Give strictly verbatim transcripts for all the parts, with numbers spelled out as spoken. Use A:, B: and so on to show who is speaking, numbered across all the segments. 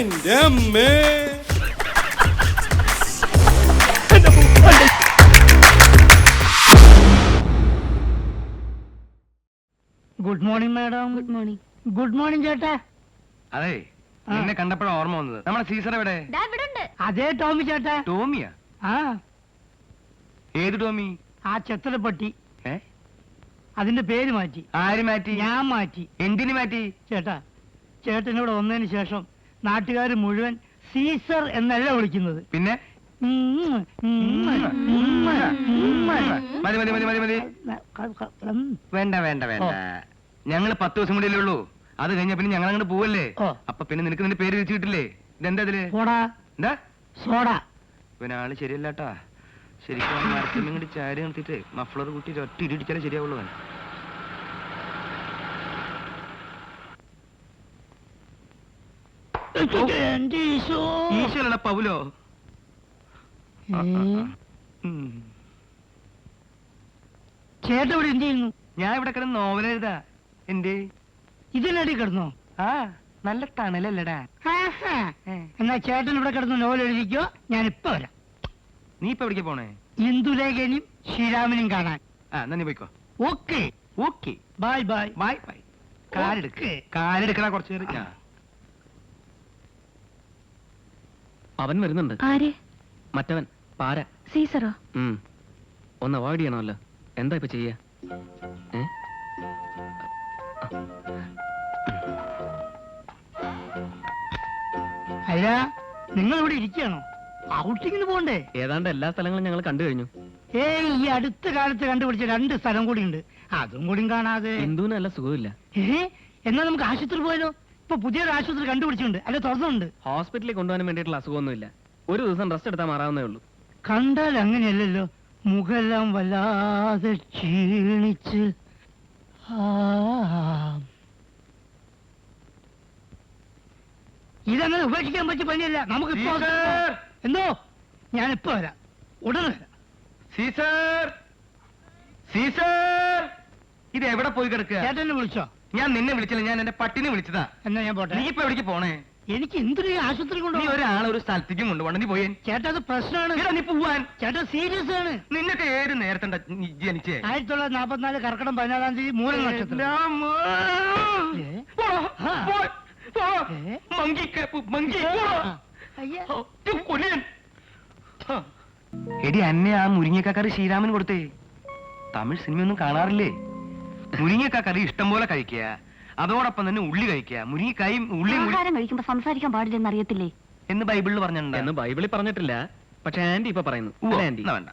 A: എന്റെ അമ്മേ.
B: Good morning madam.
C: Good morning.
B: Good morning ചേട്ടാ.
D: അതെ, എന്നെ കണ്ടപ്പോഴാണ് ഓർമ്മ വന്നത്. നമ്മുടെ സീസർ എവിടെ?
B: അതേ ടോമി ചേട്ടാ.
D: ടോമിയാ?
B: ആ,
D: ഏത് ടോമി?
B: ആ ചെത്തലപ്പട്ടി.
D: ഏ,
B: അതിന്റെ പേര് മാറ്റി.
D: ആര് മാറ്റി?
B: ഞാൻ മാറ്റി.
D: എന്തിനു മാറ്റി?
B: ചേട്ടാ, ചേട്ടൻ ഇവിടെ വന്നതിന് ശേഷം നാട്ടുകാർ മുഴുവൻ സീസർ എന്നല്ല വിളിക്കുന്നത്.
D: പിന്നെ
B: ഉം, ഉം, ഉം, ഉം.
D: മതി മതി മതി മതി മതി. വേണ്ട വേണ്ട വേണ്ട, ഞങ്ങള് പത്ത് ദിവസം കൂടിയല്ലേ ഉള്ളൂ. അത് കഴിഞ്ഞ പിന്നെ ഞങ്ങൾ അങ്ങോട്ട് പോവല്ലേ. അപ്പൊ പിന്നെ നിനക്ക് നിന്റെ പേര് വെച്ച് കിട്ടില്ലേ? ഇതെന്താ ഇതില്? എന്താ
B: സോഡ?
D: പിന്നെ ആള് ശരിയല്ലാട്ടാ. ശരിക്കും മരത്തിൽ കൂടി ചാരി നിർത്തിട്ട് മഫ്ലർ കൂട്ടി ഒറ്റ ഇടിച്ചാലേ ശരിയാവുള്ളൂ. ഈശ്വരടാ പൗലോ.
B: ചേട്ടൻ ഇവിടെ എന്ത് ചെയ്യുന്നു?
D: ഞാൻ ഇവിടെ കിടന്ന് നോവൽ എഴുതാ. എന്തേ
B: ഇതിനടി കിടന്നോ?
D: ആ, നല്ല തണലല്ലടാ.
B: എന്നാ ചേട്ടൻ ഇവിടെ കിടന്ന് നോവൽ എഴുതിക്കോ, ഞാൻ ഇപ്പൊ വരാം.
D: നീ ഇപ്പൊ എവിടേക്ക് പോണേ?
B: ഇന്ദുലേഖനും ശ്രീരാമനും കാണാൻ.
D: ആ, എന്നാ നീ പോയിക്കോ.
B: Okay
D: okay,
B: bye bye
D: bye bye. കാലെടുക്ക്, കാലെടുക്കണ കുറച്ചു നേരം.
E: അവൻ വരുന്നുണ്ട്.
C: ആര്?
E: മറ്റവൻ പാര.
C: സീസറോ?
E: ഒന്ന് അവോയ്ഡ് ചെയ്യണമല്ലോ. എന്താ ഇപ്പൊ ചെയ്യാ?
B: അല്ല, നിങ്ങൾ ഇവിടെ ഇരിക്കുകയാണോ? ഔട്ടിങ്ങിന് പോണ്ടേ?
E: ഏതാണ്ട് എല്ലാ സ്ഥലങ്ങളും ഞങ്ങൾ കണ്ടു കഴിഞ്ഞു.
B: ഏയ്, ഈ അടുത്ത കാലത്ത് കണ്ടുപിടിച്ച രണ്ട് സ്ഥലം കൂടി ഉണ്ട്, അതും കൂടി കാണാതെ.
E: ഹിന്ദുവിന് നല്ല സുഖമില്ല.
B: ഏ, എന്നാ നമുക്ക് ആശുപത്രി പോയാലോ? ഇപ്പൊ പുതിയൊരു ആശുപത്രി കണ്ടുപിടിച്ചിട്ടുണ്ട്, അല്ലെ തുറന്നുണ്ട്.
E: ഹോസ്പിറ്റലിൽ കൊണ്ടുപോകാൻ വേണ്ടിയിട്ടുള്ള അസുഖമൊന്നുമില്ല. ഒരു ദിവസം റെസ്റ്റ് എടുത്താൽ മാറാവുന്നേ ഉള്ളൂ.
B: കണ്ടാൽ അങ്ങനെയല്ലല്ലോ, മുഖെല്ലാം വല്ലാതെ ക്ഷീണിച്ച്. ഇതങ്ങനെ ഉപേക്ഷിക്കാൻ പറ്റിയ പണിയല്ല. നമുക്ക് ഇപ്പൊ എന്തോ, ഞാനിപ്പോ വരാം, ഉടനെ വരാം.
D: സീസർ, സീസർ, ഇത് എവിടെ പോയി കിടക്കുക?
B: ചേട്ടനെ വിളിച്ചോ?
D: ഞാൻ നിന്നെ വിളിച്ചില്ല, ഞാൻ എന്റെ പട്ടിനെ വിളിച്ചതാ.
B: എന്നാ ഞാൻ പോട്ടെ.
D: നീ ഇപ്പൊ എവിടേക്ക് പോണേ?
B: എനിക്ക് എന്തൊരു ആശുപത്രി
D: നീ
B: കൊണ്ടു
D: ഒരാളെ ഒരു സ്ഥലത്തേക്കും കൊണ്ടുപോകണം. നീ പോയേ.
B: ചേട്ടാ, അത് പ്രശ്നമാണ്.
D: നീ പോവാൻ.
B: ചേട്ടാ, സീരിയസ് ആണ്.
D: നിന്നൊക്കെ ഏത് നേരത്തെ ജനിച്ചേ?
B: ആയിരത്തി തൊള്ളായിരത്തി നാപ്പത്തിനാല് കർക്കിടം പതിനാലാം തീയതി മൂല നക്ഷത്രം.
D: എടി, അന്നെ ആ മുരിങ്ങക്കറി ശ്രീരാമൻ കൊടുത്തേ. തമിഴ് സിനിമയൊന്നും കാണാറില്ലേ? മുരിങ്ങക്കറി ഇഷ്ടം പോലെ കഴിക്കുക, അതോടൊപ്പം തന്നെ ഉള്ളി കഴിക്കുക. മുരിങ്ങക്കായും ഉള്ളിയും
C: കഴിക്കുമ്പോ സംസാരിക്കാൻ പാടില്ലെന്ന് അറിയത്തില്ലേ
D: എന്ന് ബൈബിളിൽ പറഞ്ഞിട്ടുണ്ട്.
E: എന്ന് ബൈബിളിൽ പറഞ്ഞിട്ടില്ല, പക്ഷെ ആന്റി ഇപ്പൊ പറയുന്നു. ആന്റി
D: വേണ്ട,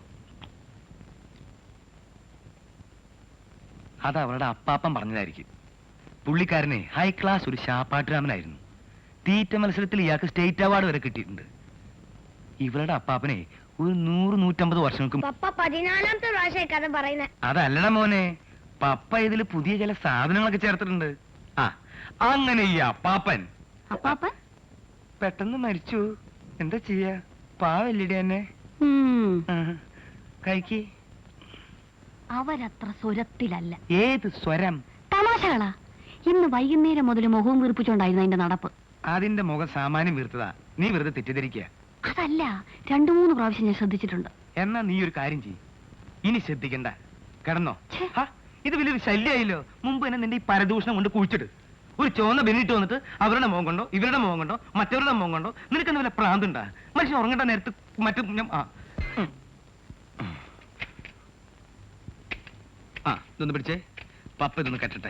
D: അത് അവരുടെ അപ്പാപ്പൻ പറഞ്ഞതായിരിക്കും. പുള്ളിക്കാരനെ ഹൈ ക്ലാസ് ഒരു ശാപ്പാട്ടുരാമനായിരുന്നു. തീറ്റ മത്സരത്തിൽ ഇയാൾക്ക് സ്റ്റേറ്റ് അവാർഡ് വരെ കിട്ടിയിട്ടുണ്ട്. ഇവരുടെ അപ്പാപ്പനെ ഒരു നൂറ് നൂറ്റമ്പത് വർഷങ്ങൾക്ക്
F: പതിനാലാമത്തെ പ്രാവശ്യം കഥ പറയുന്നത്.
D: അതല്ലട മോനെ, പപ്പ ഇതിൽ പുതിയ ചില സാധനങ്ങളൊക്കെ ചേർത്തിട്ടുണ്ട്. ആ, അങ്ങനെ ഈ അപ്പാപ്പൻ
C: അപ്പാപ്പൻ
D: പെട്ടെന്ന് മരിച്ചു. എന്താ ചെയ്യാ, പാവല്ലിടി എന്നെ. കഴിക്ക്.
C: അവരത്ര സ്വരത്തിലല്ല.
D: ഏത് സ്വരം?
C: തമാശകളാ. ഇന്ന് വൈകുന്നേരം മുതൽ മുഖവും വീർപ്പിച്ചോണ്ടായിരുന്നു അതിന്റെ നടപ്പ്.
D: അതിന്റെ മുഖം സാമാന്യം വീർത്തതാ. നീ വെറുതെ തെറ്റിദ്ധരിക്കുക.
C: അതല്ല, രണ്ടു മൂന്ന് പ്രാവശ്യം ഞാൻ ശ്രദ്ധിച്ചിട്ടുണ്ട്.
D: എന്നാ നീ ഒരു കാര്യം ചെയ്യ്, ഇനി ശ്രദ്ധിക്കണ്ട, കിടന്നോ. ഇത് വലിയൊരു ശല്യായില്ലോ. മുമ്പ് തന്നെ നിന്റെ ഈ പരദൂഷണം കൊണ്ട് കുഴിച്ചിട്ട് ഒരു ചോന്ന ബെന്നിട്ട് വന്നിട്ട് അവരുടെ മോൻ കൊണ്ടോ ഇവരുടെ മോൻ കൊണ്ടോ മറ്റവരുടെ മോൻ കൊണ്ടോ നിനക്കെന്താ വല്ല പ്രാന്തുണ്ടാ? മനുഷ്യൻ ഉറങ്ങേണ്ട നേരത്ത് മറ്റു ആ ഇതൊന്ന് പിടിച്ചേ. പപ്പ ഇതൊന്ന് കെട്ടട്ടെ.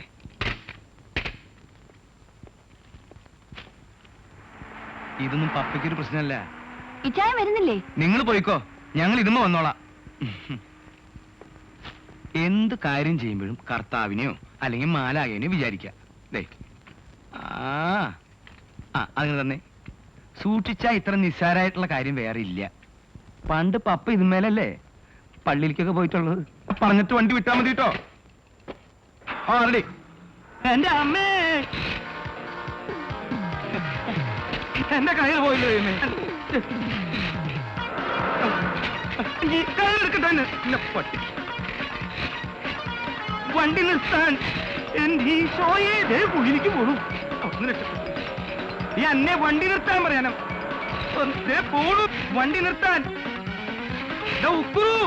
D: ഇതൊന്നും പപ്പയ്ക്കൊരു പ്രശ്നമല്ല.
C: ഇച്ചായ വരുന്നില്ലേ?
D: നിങ്ങൾ പോയിക്കോ, ഞങ്ങൾ ഇതുമ്മ വന്നോളാം. എന്ത് കാര്യം ചെയ്യുമ്പോഴും കർത്താവിനെയോ അല്ലെങ്കിൽ മാലാകേനെയോ വിചാരിക്ക. ആ അങ്ങനെ തന്നെ സൂക്ഷിച്ചാ ഇത്ര നിസ്സാരമായിട്ടുള്ള കാര്യം വേറെ ഇല്ല. പണ്ട് പപ്പ ഇതുമേലല്ലേ പള്ളിയിലേക്കൊക്കെ പോയിട്ടുള്ളത്. പറഞ്ഞിട്ട് വണ്ടി വിട്ടാ മതി കേട്ടോ. ആ റെഡി.
B: എന്റെ അമ്മേ,
D: എന്റെ കയ്യിൽ പോയില്ലോ.
B: വണ്ടി നിർത്താൻ. എന്റെ ഈശോയെ, കുഴിയിലേക്ക് പോകൂ.
D: ഈ അന്നെ വണ്ടി നിർത്താൻ പറയാനോ ദേ പോണു വണ്ടി നിർത്താൻ ദാ ഉക്കുറു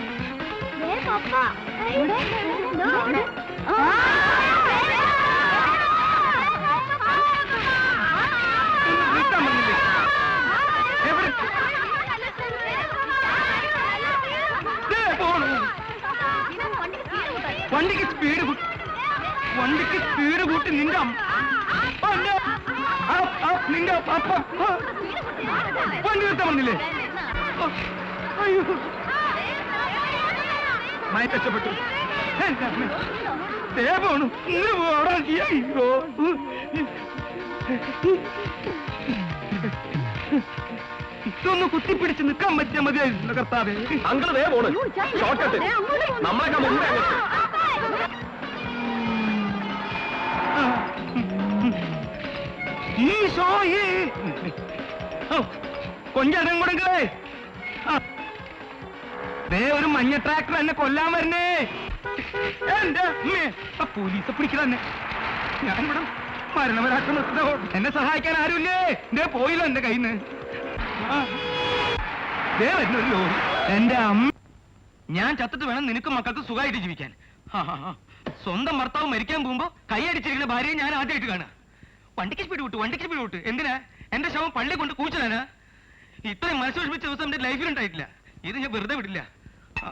D: ഒന്ന് നിർത്താൻ പറഞ്ഞില്ലേ എവിടെ ദേ പോണു വണ്ടിക്ക് സ്പീഡ് കൂട്ടി വണ്ടിക്ക് സ്പീഡ് കൂട്ടി നിന്റെ അമ്മ അല്ല, ആ, ആ, നിന്റെ അപ്പ ആ, വണ്ടി നിർത്താൻ പറഞ്ഞില്ലേ ഓ, അയ്യോ മായി കഷ്ടപ്പെട്ടു എന്റെ അമ്മേ. ദേ പോണു ഇങ്ങനെ പോടാ അയ്യോ ഇതൊന്ന് കുത്തിപ്പിടിച്ച് നിൽക്കാൻ പറ്റിയ മതിയായിരുന്നു കർത്താവേ.
E: അങ്കിൾ വേ പോണ് ഷോർട്ട് നമ്മളൊക്കെ മുമ്പേ
D: ഈശോയേ കൊഞ്ചടം കൊടുക്കേ ദേ ഒരു മഞ്ഞ ട്രാക്ടർ എന്നെ കൊല്ലാൻ വരുന്നേ എന്റെ അമ്മേ ആ പോലീസെ പിടിക്കലെന്നെ ഞാനിവിടെ മരണവരാക്ക നിർത്തോ എന്നെ സഹായിക്കാൻ ആരുമില്ലേ ദേ പോയില്ല എന്റെ കയ്യിൽ നിന്ന് ദേ വരുന്ന ഒരു ലോറി എന്റെ അമ്മ ഞാൻ ചത്തിട്ട് വേണം നിനക്ക് മക്കൾക്ക് സുഖമായിട്ട് ജീവിക്കാൻ ആ, ആ, ആ. സ്വന്തം ഭർത്താവ് മരിക്കാൻ പോകുമ്പോ കൈയടിച്ചിരിക്കുന്ന ഭാര്യയെ ഞാൻ ആദ്യമായിട്ട് കാണാം വണ്ടിക്ക് സ്പീഡ് വിട്ടു വണ്ടിക്ക് സ്പീഡ് വിട്ടു എന്തിനാ എന്റെ ശവം പള്ളി കൊണ്ട് കൂച്ചലാനാ ഇത്രയും മനസ്സ് വിഷമിച്ച ദിവസം എന്റെ ലൈഫിൽ ഉണ്ടായിട്ടില്ല ഇത് ഞാൻ വെറുതെ വിടില്ല ആ.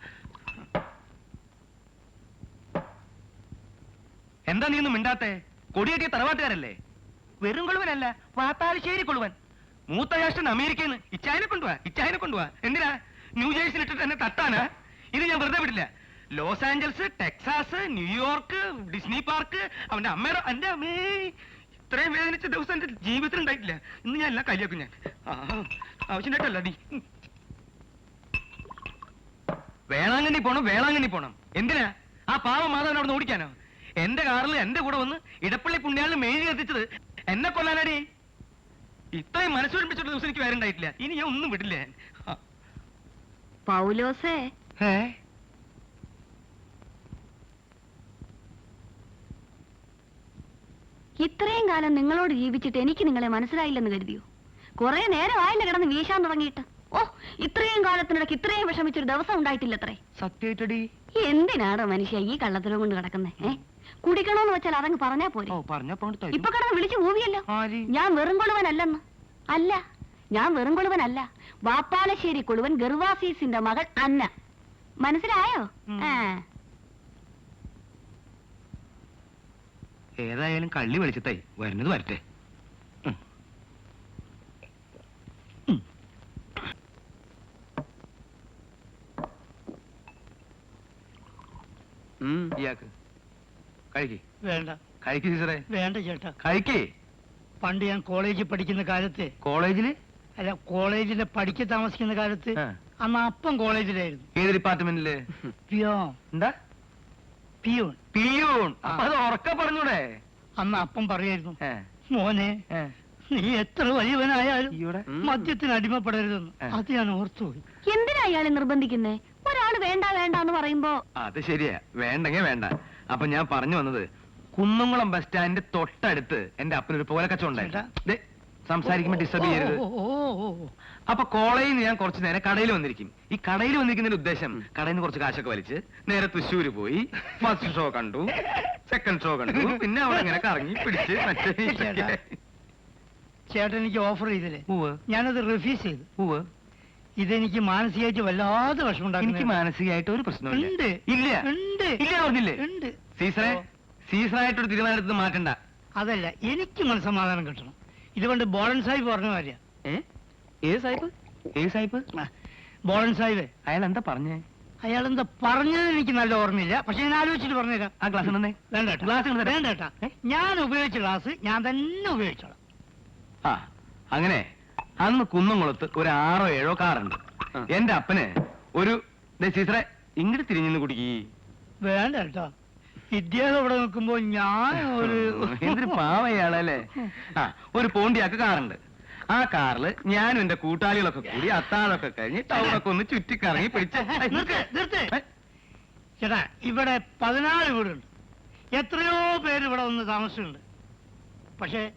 D: എന്താ നീ ഒന്നും മിണ്ടാത്തെ കൊടിയേറ്റിയ തറവാട്ടുകാരല്ലേ വെറും കൊളുവനല്ല വാത്താലശ്ശേരി കൊളുവൻ മൂത്ത രാഷ്ട്രൻ അമേരിക്കയിൽ നിന്ന് ഇച്ചായനെ കൊണ്ടുപോവാ ഇച്ചായനെ കൊണ്ടുപോവാ എന്തിനാ ന്യൂജേഴ്സിൽ ഇട്ടിട്ട് എന്നെ തട്ടാനാ ഇത് ഞാൻ വെറുതെ വിടില്ല Los Angeles Texas New York Disney park അവന്റെ അമ്മയുടെ എന്റെ അമ്മേ ഇത്രയും വേദനിച്ച ദിവസം എന്റെ ജീവിതത്തിൽ ഉണ്ടായിട്ടില്ല ഇന്ന് ഞാൻ എല്ലാം കയ്യാക്കും ഞാൻ ആ, ആവശ്യമായിട്ടല്ല നീ വേളാങ്കണ്ണി പോണം വേളാങ്കണ്ണി പോണം എന്തിനാ ആ പാവ മാധവൻ അവിടെ ഓടിക്കാനോ എന്റെ കാറിൽ എന്റെ കൂടെ വന്ന് ഇടപ്പള്ളി പുണ്യാളിന് മെഴുകി എത്തിച്ചത് എന്നെ കൊല്ലാനാടി ഇത്രയും മനസ്സൊഴിപ്പിച്ചിട്ട് ദിവസം എനിക്ക് വേറെ ഉണ്ടായിട്ടില്ല ഇനി ഞാൻ ഒന്നും വിടില്ല ഞാൻ ആ.
C: പൗലോസേ
D: ഏ
C: ഇത്രയും കാലം നിങ്ങളോട് ജീവിച്ചിട്ട് എനിക്ക് നിങ്ങളെ മനസ്സിലായില്ലെന്ന് കരുതിയോ കുറെ നേരമായില്ല കിടന്ന് വീശാൻ തുടങ്ങിയിട്ട് ഓ ഇത്രയും കാലത്തിനിടയ്ക്ക് ഇത്രയും വിഷമിച്ചൊരു ദിവസം ഉണ്ടായിട്ടില്ലത്രേ
D: സത്യായിട്ടടി
C: എന്തിനാടോ മനുഷ്യ ഈ കള്ളത്തിലും കൊണ്ട് കിടക്കുന്നേ ഏ കുടിക്കണോന്ന് വെച്ചാൽ അതങ്ങ് പറഞ്ഞാ പോരെ
D: ഓ പറഞ്ഞപ്പോ
C: ഇപ്പൊ കിടന്ന് വിളിച്ചു മൂവിയല്ലോ
D: ആര്?
C: ഞാൻ വെറും കൊളുവനല്ലെന്ന് അല്ല ഞാൻ വെറും കൊളുവനല്ല വാപ്പാലശ്ശേരി കൊളുവൻ ഗർവാസീസിന്റെ മകൾ അന്ന മനസ്സിലായോ
D: ഉം.
C: ആ
D: ഏതായാലും കള്ളി വെളിച്ചത്തായി വരുന്നത് വരട്ടെ ഉം. ഉം. ഇയാൾക്ക് കഴിക്ക്
B: വേണ്ട
D: കഴിക്ക് ടീച്ചറെ
B: വേണ്ട ചേട്ടാ
D: കഴിക്കേ
B: പണ്ട് ഞാൻ കോളേജിൽ പഠിക്കുന്ന കാലത്ത്
D: കോളേജില്
B: അല്ല കോളേജിലെ പഠിക്ക താമസിക്കുന്ന കാലത്ത്
D: ആ.
B: അന്ന് അപ്പം കോളേജിലായിരുന്നു
D: ഏത് ഡിപ്പാർട്ട്മെന്റില്
B: പിയോ
D: എന്താ
B: പിയൂൺ
D: പിയൂൺ അപ്പൊ അത് ഉറക്ക പറഞ്ഞൂടെ
B: അന്ന് അപ്പം പറയായിരുന്നു
D: ഏ,
B: മോനെ
D: ഏ.
B: നീ എത്ര വലിയവനായാലും
D: ഈയോടെ?
B: മദ്യത്തിന് അടിമപ്പെടരുതെന്ന്
D: ആ.
B: അത് ഞാൻ ഓർത്തുപോയി
C: എന്തിനാ ഇയാളെ നിർബന്ധിക്കുന്നേ ഒരാള് വേണ്ട വേണ്ട എന്ന് പറയുമ്പോ
D: അത് ശരിയാ വേണ്ടെങ്കി വേണ്ട അപ്പൊ ഞാൻ പറഞ്ഞു വന്നത് കുന്നംകുളം ബസ് സ്റ്റാൻഡിന്റെ തൊട്ടടുത്ത് എന്റെ അപ്പനൊരു പോലെ കച്ചവടം ഉണ്ടായിരുന്നു ദേ, സംസാരിക്കുമ്പോ ഡിസ്റ്റർബ് ചെയ്യരുത്
B: ഓ, ഓ, ഓ, ഓ.
D: അപ്പൊ കോളേജിൽ നിന്ന് ഞാൻ കുറച്ച് നേരം കടയിൽ വന്നിരിക്കും ഈ കടയിൽ വന്നിരിക്കുന്നതിന്റെ ഉദ്ദേശം കടയിൽ നിന്ന് കുറച്ച് കാശൊക്കെ വലിച്ച് നേരെ തൃശ്ശൂര് പോയി ഫസ്റ്റ് ഷോ കണ്ടു സെക്കൻഡ് ഷോ കണ്ടു പിന്നെ അവിടെ ഇങ്ങനെ കറങ്ങി പിടിച്ച് മറ്റേ
B: ചേട്ടാ. ചേട്ടൻ എനിക്ക് ഓഫർ ചെയ്തില്ലേ
D: ഉവ്വ്,
B: ഞാനത് റിഫ്യൂസ് ചെയ്തു
D: ഉവ്വ്.
B: ഇതെനിക്ക് മാനസികമായിട്ട് വല്ലാതെ വിഷമം
D: എനിക്ക്
B: ഉണ്ടാക്കുന്നു
D: മാനസികമായിട്ട് ഒരു പ്രശ്നമില്ല
B: ഉണ്ട്
D: ഇല്ല
B: ഉണ്ട്
D: ഇല്ല പറഞ്ഞില്ലേ
B: ഉണ്ട്
D: സീസറെ
B: ഓ.
D: സീസറായിട്ടൊരു തീരുമാനമെടുത്ത് മാറ്റണ്ട
B: അതല്ല എനിക്ക് മനസ്സമാധാനം കിട്ടണം ഇതുകൊണ്ട് ബോളൻ സാഹിബ് പറഞ്ഞ കാര്യം
D: ഏ ഏത് സാഹിബ് ഏത് സാഹിബ്
B: ബോളൻ സാഹിബ്
D: അയാൾ എന്താ പറഞ്ഞേ
B: അയാൾ എന്താ പറഞ്ഞത് എനിക്ക് നല്ല ഓർമ്മയില്ല പക്ഷെ ഞാൻ ആലോചിച്ചിട്ട് പറഞ്ഞുതരാം
D: ആ ഗ്ലാസ് തന്നെ
B: വേണ്ട ഏട്ടാ.
D: ഗ്ലാസ് ഇങ്ങട് തരാം.
B: വേണ്ട ഏട്ടാ. ഞാൻ ഉപയോഗിച്ച ഗ്ലാസ് ഞാൻ തന്നെ ഉപയോഗിച്ചോളാം
D: ആ അങ്ങനെ അന്ന് കുന്നംകുളത്ത് ഒരു ആറോ ഏഴോ കാറുണ്ട്
E: ആ.
D: എന്റെ അപ്പന് ഒരു ദേ സീസറെ ഇങ്ങോട്ട് തിരിഞ്ഞു കുടിക്കി
B: വേണ്ട കേട്ടോ ഇദ്ദേഹം ഇവിടെ നിൽക്കുമ്പോ ഞാൻ ഒരു
D: എന്തൊരു പാവയാളല്ലേ ആ ഒരു പോണ്ടിയാക്ക് കാറുണ്ട് ആ കാറില് ഞാനും എന്റെ കൂട്ടാളികളൊക്കെ കൂടി അത്താഴമൊക്കെ കഴിഞ്ഞ് ടൗണൊക്കെ ഒന്ന് ചുറ്റിക്കറങ്ങി പിടിച്ച് ഏയ്,
B: നിർത്ത്, നിർത്ത്.
D: ഏ,
B: ചേട്ടാ ഇവിടെ പതിനാല് വീടുണ്ട് എത്രയോ പേര് ഇവിടെ വന്ന് താമസിച്ചിട്ടുണ്ട് പക്ഷെ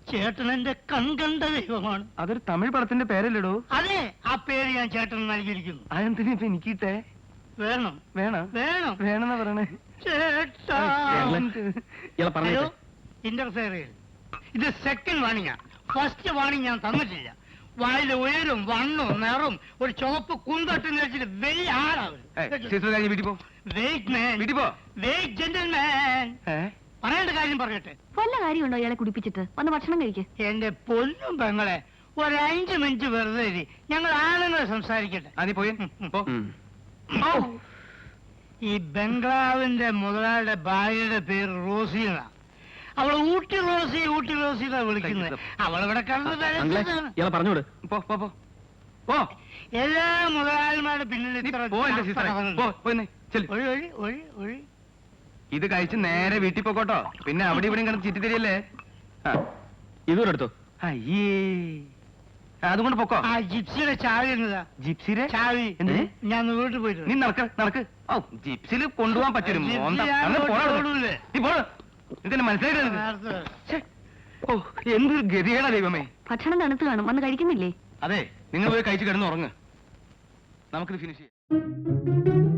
B: ചേട്ടൻ എന്റെ കൺകണ്ട ദൈവമാണ്.
D: അതൊരു തമിഴ് പടത്തിന്റെ പേരല്ലടോ.
B: അതെ, ആ പേര് ഞാൻ ചേട്ടന് നൽകിയിരിക്കുന്നു.
D: അതെന്തിനാ ഇപ്പൊ എനിക്കിട്ടെ?
B: വേണം
D: വേണം
B: വേണം
D: വേണമെന്നാ പറയണേ.
B: ചേട്ടാ.
E: ഇയാളെ പറഞ്ഞു
B: ഹലോ, ഇന്റർഫെയറിൽ ഇത് സെക്കൻഡ് വാണിംഗാ. ഫസ്റ്റ് വാണിംഗ് ഞാൻ തന്നിട്ടില്ല. വായിലെ ഉയരും വണ്ണും നിറവും ഒരു ചുവപ്പ് കുന്തട്ടെന്ന് വെച്ചിട്ട് വലിയ ആളാവും.
D: വീട്ടിൽ പോ,
B: വെയിറ്റ് മാൻ,
D: വീട്ടിൽ പോ.
B: Wait gentleman.
D: ഏ?
B: പറയേണ്ട കാര്യം പറയട്ടെ.
C: വല്ല കാര്യമുണ്ടോ ഇയാളെ കുടിപ്പിച്ചിട്ട് വന്ന് ഭക്ഷണം കഴിക്ക്.
B: എന്റെ പൊന്നും പെങ്ങളെ, ഒരു അഞ്ച് മിനിറ്റ് വെറുതെ ഇരി. ഞങ്ങൾ ആണുങ്ങൾ സംസാരിക്കട്ടെ.
D: ആ, നീ പോയി പോ.
B: ഓ, ഈ ബംഗ്ലാവിന്റെ മുതലാളിയുടെ ഭാര്യയുടെ പേര് റോസി എന്നാ. അവള് ഊട്ടി റോസി ഊട്ടി റോസി എന്നാ വിളിക്കുന്നത്. അവളിവിടെ കണ്ടത്
E: അങ്കിളെ ഇയാളെ പറഞ്ഞോട്.
D: പോ പോ പോ പോ.
B: എല്ലാ മുതലാളിമാരുടെ പിന്നിൽ
D: നീ
B: ഇത്ര
D: പോ എന്റെ സിസ്റ്ററെ. പോ, പോയി നീ. ചെല്ല്.
B: ഒഴി ഒഴി ഒഴി ഒഴി.
D: ഇത് കഴിച്ച് നേരെ വീട്ടിൽ പോക്കോട്ടോ. പിന്നെ അവിടെ ഇവിടെയും കിടന്ന് ചിറ്റി തരികയല്ലേ.
E: ഇതുകൂടെ എടുത്തോ.
D: അയ്യേ, അതുകൊണ്ട് പൊക്കോ.
B: ആ ജിപ്സിയുടെ ചാവി എന്നതാ.
D: ജിപ്സിരെ
B: ചാവി
D: എന്ത്?
B: ഞാൻ വീട്ടിൽ പോയിട്ട്
D: നീ നടക്ക് നടക്ക്. ഓ, ജിപ്സിൽ കൊണ്ടുപോകാൻ പറ്റും.
B: ജിപ്സി ഞാൻ കൊണ്ടുപോകൂലേ.
D: നീ പോടാ. ഇതെന്നെ മനസ്സിലായിട്ട്
B: നേരത്തെ
D: ഓ, എന്തൊരു ഗതികേടാ ദൈവമേ.
C: ഭക്ഷണം തണുത്ത് കാണും വന്ന് കഴിക്കുന്നില്ലേ?
D: അതെ, നിങ്ങൾ പോയി കഴിച്ച് കിടന്ന് ഉറങ്ങ്. നമുക്കിത് ഫിനിഷ് ചെയ്യാം.